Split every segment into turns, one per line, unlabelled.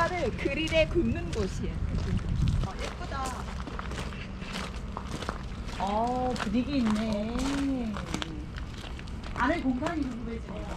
파를 그릴에 굽는 곳이에요. 예쁘다.
분위기 있네. 안에 공간이 궁금해지네요.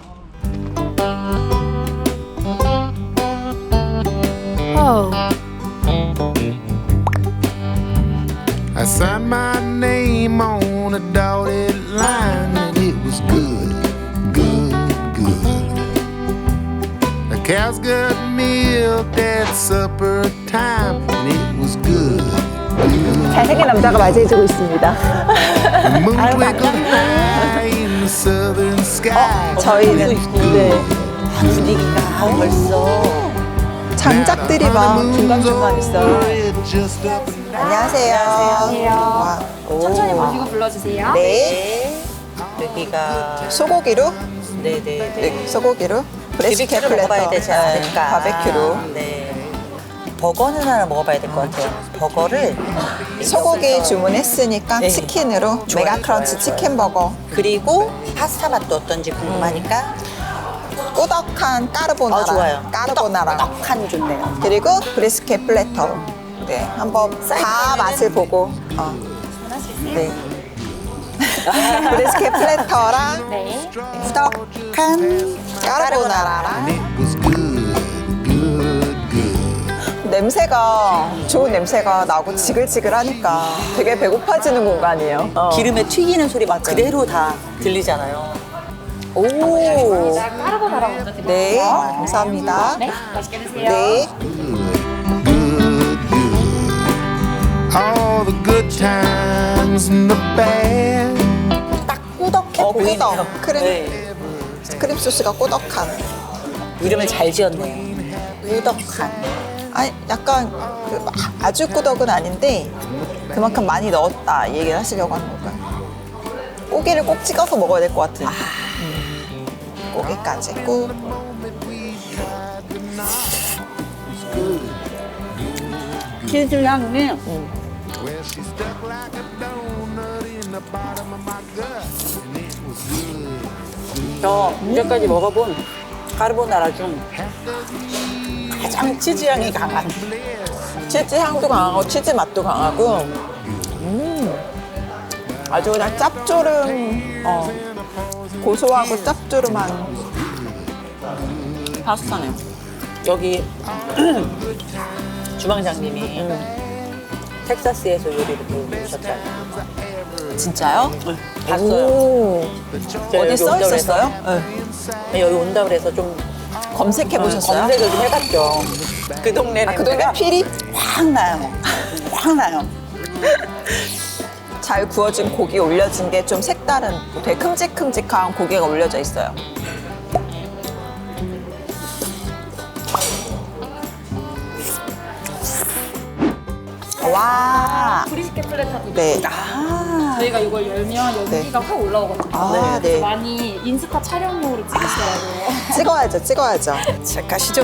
I signed my name on a dotted line and it was good, good, good. The cows got milk at supper time and it was good, good.
잘생긴 남자가 맞이해주고 있습니다.
The moon twinkled high in the southern sky.
저희는 네.
분위기가 벌써.
장작들이 막 중간중간 있어요. 안녕하세요. 와.
천천히 보시고 불러주세요.
네.
여기가
소고기로?
네네네.
네, 소고기로. 브레스켓
비비큐로
플래터.
먹어봐야 되지 않을까.
바베큐로.
네. 버거는 하나 먹어봐야 될 것 같아요. 버거를
소고기 주문했으니까
네.
치킨으로
좋아요,
메가 크런치
좋아요.
치킨 버거.
그리고 파스타 맛도 어떤지 궁금하니까
꾸덕한 까르보나라.
좋아요.
까르보나라.
떡한 좋네요.
그리고 브리스켓 플래터. 네, 한번 다 맛을 보고. 네. 브리스켓 플래터랑
네.
꾸덕한 까르보나라랑
It was good, good, good.
냄새가 좋은 냄새가 나고 지글지글하니까 되게 배고파지는 공간이에요.
기름에 튀기는 소리 막 그대로 다 들리잖아요.
오.
까르보나라 먼저 드릴게요.
네, 감사합니다.
네, 맛있게 드세요.
네.
Good, good. All the good times and the bad.
딱 꾸덕해 보이네요.
꾸덕. 크림,
네.
크림 소스가 꾸덕한.
이름을 잘 지었네요. 꾸덕한.
아니, 약간 그 아주 꾸덕은 아닌데 그만큼 많이 넣었다 이 얘기를 하시려고 하는 건가요? 고기를 꼭 찍어서 먹어야 될 것 같은. 고기까지 꾹.
치즈 향이
Well, she stuck like a donut in the bottom of my gut, and it was good.
저 이제까지 먹어본 까르보나라 중 가장 치즈 향이 강한.
치즈 향도 강하고 치즈 맛도 강하고 아주 그냥 짭조름 고소하고 짭조름한
파스타네요. 여기 주방장님이 텍사스에서 요리를 배우셨잖아요.
진짜요?
봤어요.
오,
제가
어디
여기
써
온다고
있었어요?
네, 여기 온다 그래서 좀
검색해 보셨어요?
검색을 좀 해봤죠. 그 동네는
그 동네 필이
확 나요. 확 나요.
잘 구워진 고기 올려진 게 좀 색다른 되게 큼직큼직한 고기가 올려져 있어요. 와,
브리스켓 플래터도
네.
아,
저희가 이걸 열면 연기가 확 올라오거든요.
아,
그래서
네.
많이 인스타 촬영용으로 찍으시더라고요.
찍어야죠, 찍어야죠.
자, 가시죠.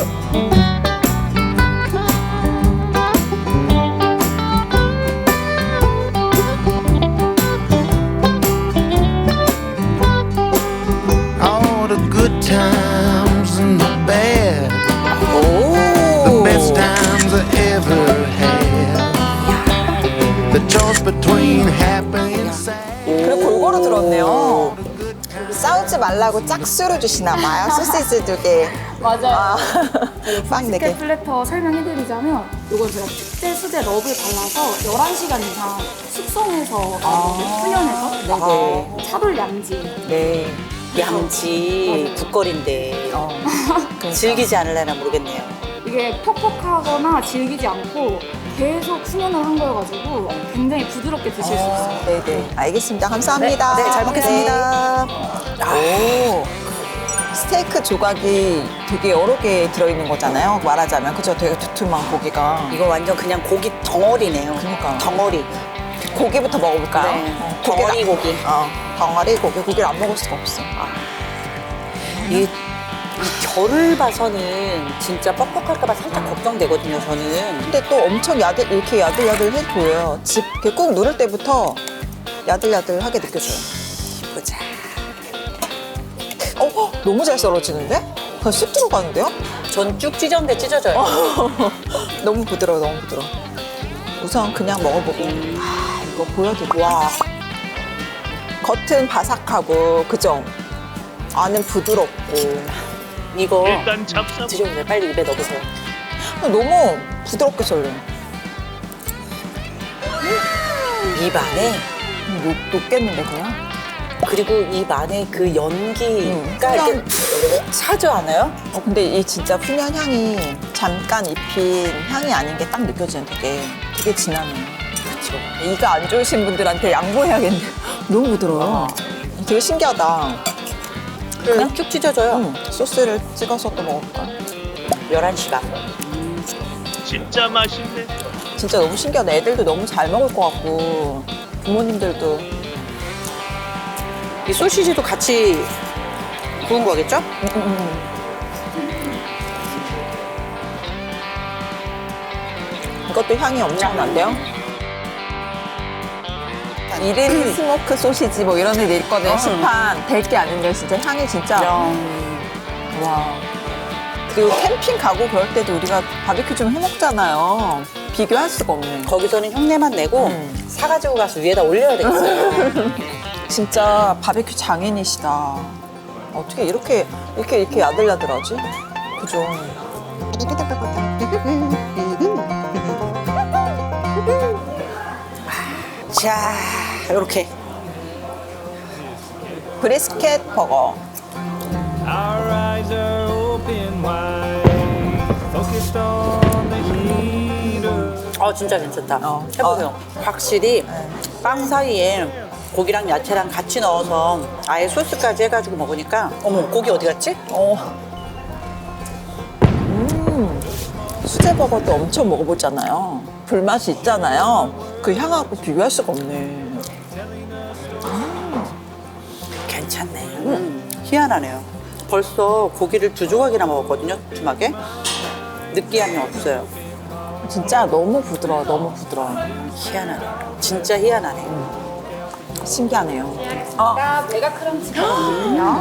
All the good times and the bad, the
오,
best times I ever had. The choice between happy and sad.
그래 골고루 들었네요. 싸우지 말라고 짝수로 주시나 봐요. 소시지 2개.
맞아요.
빵
브리스켓
4개.
플래터 설명해드리자면 이건 제가 특제 수제 럽을 발라서 11시간 이상 숙성해서 훈연해서 차돌 양지.
네.
양지 국거리인데 즐기지 않으려나 모르겠네요.
이게 퍽퍽하거나 질기지 않고 계속 훈연을 한 거여가지고 굉장히 부드럽게 드실 수 있어요.
네네. 알겠습니다. 감사합니다.
네, 잘 먹겠습니다.
오. 스테이크 조각이 되게 여러 개 들어있는 거잖아요. 말하자면. 그죠? 되게 두툼한 고기가.
이거 완전 그냥 고기 덩어리네요.
그러니까요.
덩어리.
고기부터 먹어볼까요?
네.
고기가-
덩어리 고기.
덩어리 고기. 고기를 안 먹을 수가 없어.
이 결을 봐서는 진짜 뻑뻑할까봐 살짝 걱정되거든요, 저는.
근데 또 엄청 이렇게 야들야들해 보여요. 이렇게 꾹 누를 때부터 야들야들하게 느껴져요.
보자.
너무 잘 썰어지는데? 그냥 쑥 들어가는데요?
전 쭉 찢었는데 찢어져요.
너무 부드러워, 너무 부드러워. 우선 그냥 먹어보고. 이거 보여드릴게요. 와. 겉은 바삭하고, 그죠? 안은 부드럽고.
이거
일단 잡사
드셔보세요. 빨리 입에 넣으세요.
너무 부드럽게 썰려요.
입 안에
녹겠는데, 그냥?
그리고 입 안에 그 연기가
그냥-
이렇게 차지 않아요?
근데 이 진짜 훈연 향이 잠깐 입힌 향이 아닌 게 딱 느껴지는 되게 진하네요.
그렇죠.
이가 안 좋으신 분들한테 양보해야겠네. 너무 부드러워요. 되게 신기하다.
그냥 쭉 찢어져요.
소스를 찍어서 또 먹을까?
11시간.
진짜 맛있네.
진짜 너무 신기하다. 애들도 너무 잘 먹을 것 같고 부모님들도.
이 소시지도 같이 구운 거겠죠?
이것도 향이 엄청난데요? 1인 스모크 소시지 뭐 이런 데 있거든요. 시판 될 게 아닌데 진짜 향이 진짜. 와. 그리고 캠핑 가고 그럴 때도 우리가 바비큐 좀 해먹잖아요. 비교할 수가 없네.
거기서는 흉내만 내고 사가지고 가서 위에다 올려야 되겠어요.
진짜 바비큐 장인이시다. 어떻게 이렇게 야들야들하지? 그죠?
자, 이렇게.
브리스켓 버거.
Our eyes are open wide, focused on the heater.
진짜 괜찮다.
어.
해보세요. 확실히 빵 사이에 고기랑 야채랑 같이 넣어서 아예 소스까지 해가지고 먹으니까 어머 고기 어디 갔지?
수제 버거도 엄청 먹어보잖아요. 불맛이 있잖아요. 그 향하고 비교할 수가 없네.
괜찮네. 희한하네요. 벌써 고기를 2조각이나 먹었거든요, 두툼하게. 느끼함이 없어요.
진짜 너무 부드러워, 너무 부드러워.
희한하네. 진짜 희한하네.
신기하네요.
제가 메가 크런치거든요.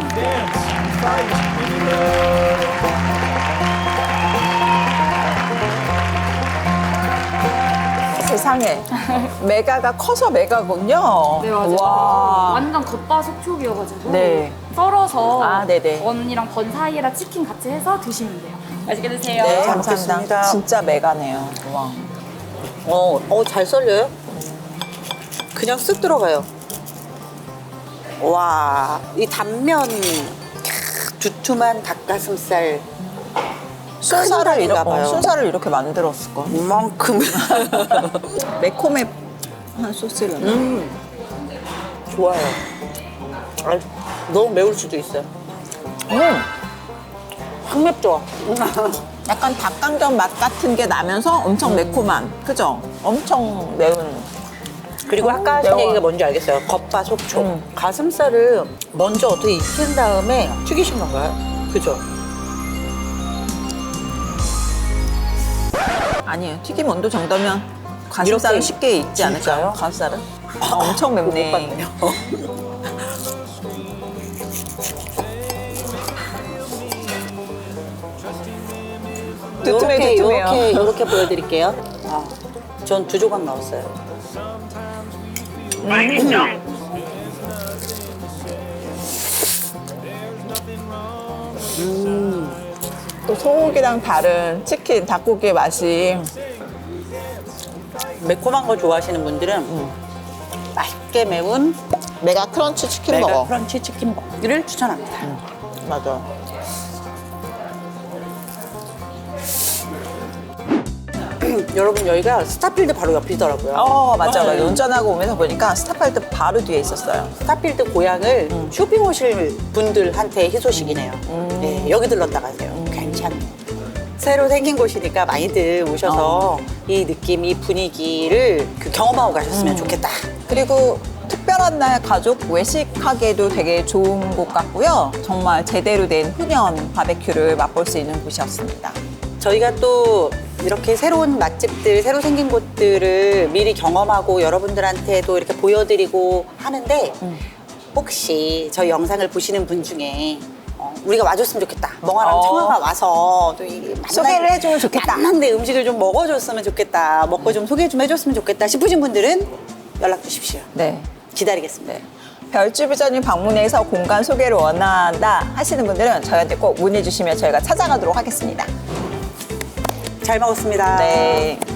세상에. 메가가 커서 메가군요.
네, 맞아요.
와.
완전 겉바속촉이어가지고
네.
썰어서
아, 네네.
번이랑 번 사이에다 치킨 같이 해서 드시면 돼요. 맛있게 드세요.
네,
잘
감사합니다.
먹겠습니다.
진짜 메가네요. 와.
잘 썰려요? 그냥 쓱 들어가요. 와, 이 단면, 두툼한 닭가슴살.
순살을 이렇게,
닭인가 봐요.
순살을 이렇게 만들었을 거.
이만큼.
매콤한 소스를.
좋아요. 너무 매울 수도 있어요. 확 맵죠?
약간 닭강정 맛 같은 게 나면서 엄청 매콤한. 그죠? 엄청 매운.
그리고 아까 하신
매워.
얘기가 뭔지 알겠어요. 겉바속촉. 가슴살을 먼저 어떻게 익힌 다음에 튀기신 건가요? 그죠?
아니에요. 튀김 온도 정도면 가슴살은
이렇게
쉽게 익지 않을까요?
진짜요?
가슴살은? 엄청 맵네.
못 봤네요.
두툼해, 두툼해요.
이렇게 보여드릴게요. 전 2조각 넣었어요.
맛있죠?
또 소고기랑 다른 치킨, 닭고기의 맛이.
매콤한 거 좋아하시는 분들은 맛있게 매운
메가 크런치 치킨
메가
먹어.
크런치 치킨 버거를 추천합니다.
맞아.
여러분 여기가 스타필드 바로 옆이더라고요.
맞아.
네.
운전하고 오면서 보니까 스타필드 바로 뒤에 있었어요.
스타필드 고향을 쇼핑 오실 분들한테 희소식이네요. 네, 여기 들렀다 가세요. 괜찮네요. 새로 생긴 곳이니까 많이들 오셔서 이 느낌, 이 분위기를 경험하고 가셨으면 좋겠다.
그리고 특별한 날 가족 외식하기에도 되게 좋은 곳 같고요. 정말 제대로 된 훈연 바베큐를 맛볼 수 있는 곳이었습니다.
저희가 또 이렇게 새로운 맛집들, 새로 생긴 곳들을 미리 경험하고 여러분들한테도 이렇게 보여드리고 하는데 혹시 저희 영상을 보시는 분 중에 우리가 와줬으면 좋겠다. 멍아랑 청아가 와서 또
소개를 해주면 좋겠다.
만난데 음식을 좀 먹어줬으면 좋겠다. 먹고 좀 소개 좀 해줬으면 좋겠다 싶으신 분들은 연락 주십시오.
네.
기다리겠습니다.
별주부전님 방문해서 공간 소개를 원한다 하시는 분들은 저희한테 꼭 문의 주시면 저희가 찾아가도록 하겠습니다.
잘 먹었습니다.
네.